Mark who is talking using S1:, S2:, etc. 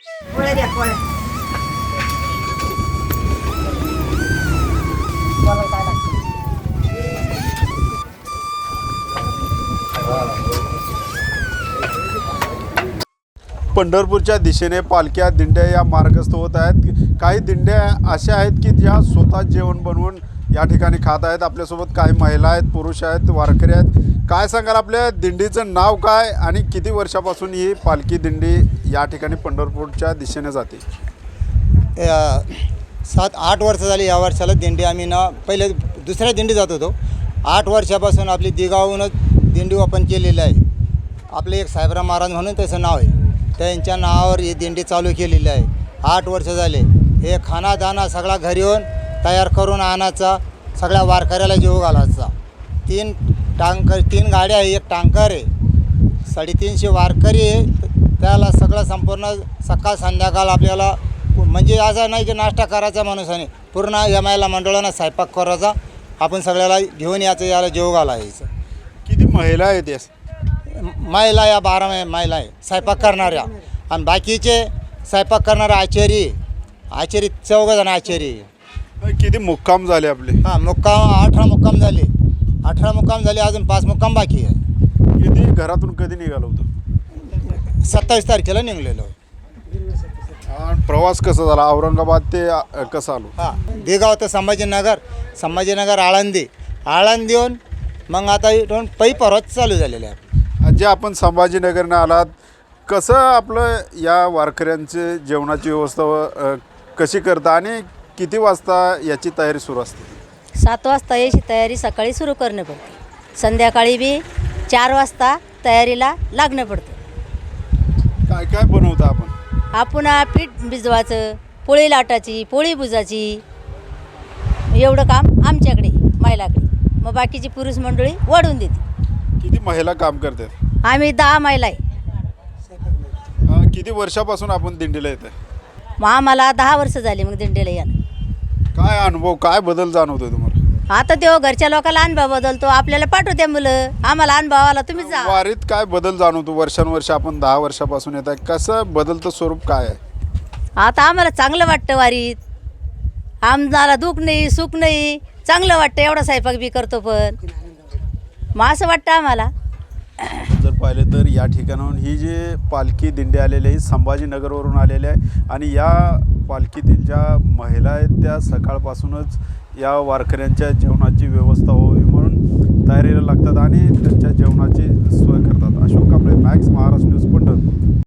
S1: पोळ्या द्या पोळ्या.
S2: पंढरपूरच्या दिशेने पालख्या दिंड्या या मार्गस्थ होत आहेत. काही दिंड्या अशा आहेत की ज्या स्वतः जेवण बनवून या ठिकाणी खात आहेत. आपल्यासोबत काही महिला आहेत, पुरुष आहेत, वारकरी आहेत. काय सांगाल, आपल्या दिंडीचं नाव काय आणि किती वर्षापासून ही पालखी दिंडी या ठिकाणी पंढरपूरच्या दिशेने जाते?
S3: 7-8 वर्ष झाली. या वर्षाला दिंडी आम्ही ना पहिले दुसऱ्या दिंडी जात होतो. 8 वर्षापासून आपली दिगावूनच दिंडी ओपन केलेली आहे. आपले एक साहेबराव महाराज म्हणून त्याचं नाव आहे, त्यांच्या नावावर ही दिंडी चालू केलेली आहे. 8 वर्ष झाले. हे खाना दाना सगळा घरी येऊन तयार करून आणायचा, सगळ्या वारकऱ्याला जेवू घालायचा. 3 गाड्या आहे, एक टँकर आहे, 350 वारकरी आहे. त्याला सगळं संपूर्ण सकाळ संध्याकाळ आपल्याला म्हणजे असं नाही की नाश्ता करायचा माणूसाने, पूर्ण एमआयला मंडळानं स्वयंपाक करायचा. आपण सगळ्याला घेऊन यायचं, याला जेवू घालायचं.
S2: किती महिला आहेत या?
S3: महिला या 12 महिला आहे स्वयंपाक करणाऱ्या, आणि बाकीचे स्वयंपाक करणारे आचारी 14 जण आचारी.
S2: किती मुक्काम झाले आपले?
S3: हां, मुक्काम 18 मुक्काम झाले. 18 मुक्काम झाले, अजून 5 मुक्काम बाकी आहे.
S2: किती घरातून कधी निघालो होतो?
S3: 27 तारखेला निघलेलो.
S2: आणि प्रवास कसा झाला? औरंगाबाद ते कसं आलो?
S3: हां, देगाव तर संभाजीनगर आळंदीहून मग आता इथून परत चालू झालेले आहे.
S2: जे आपण संभाजीनगरनं आलात, कसं आपलं या वारकऱ्यांचे जेवणाची व्यवस्था कशी करता आणि किती वाजता याची तयारी सुरू असते?
S4: 7 वाजता याची तयारी सकाळी सुरू करणं पडते. संध्याकाळी बी 4 वाजता तयारीला लागणं पडतं.
S2: काय काय बनवता आपण?
S4: आपण पीठ भिजवायचं, पोळी लाटायची, पोळी बुजायची, एवढं काम आमच्याकडे महिलाकडे. मग बाकीची पुरुष मंडळी वाढून देते.
S2: किती महिला काम करतात?
S4: आम्ही 10 महिला आहे.
S2: किती वर्षापासून आपण दिंडीला येत आहे?
S4: मग आम्हाला 10 वर्ष झाली मग दिंडीला यानं.
S2: काय अनुभव, काय बदल जाणवतोय तुम्हाला?
S4: आता तो घरच्या लोकांना अनुभव बदलतो, आपल्याला पाठवते मुलं. आम्हाला अनुभव आला, तुम्हीच जा.
S2: वारीत काय बदल जाणवतो? वर्षानुवर्ष आपण 10 वर्षापासून येत आहे, कसं बदलतं स्वरूप काय आहे?
S4: आता आम्हाला चांगलं वाटतं वारीत. आम्हाला दुःख नाही, सुख नाही, चांगलं वाटतं. एवढा स्वयंपाक बी करतो, पण मग असं वाटतं आम्हाला.
S2: जर पाहिलं तर या ठिकाणाहून ही जी पालखी दिंडी आलेली आहे संभाजीनगरवरून आलेली आहे. आणि या पालखीतील ज्या महिला आहेत त्या सकाळपासूनच या वारकऱ्यांच्या जेवणाची व्यवस्था व्हावी म्हणून तयारीला लागतात आणि त्यांच्या जेवणाची सोय करतात. Ashok Kamble, Max Maharashtra news, Pandharpur.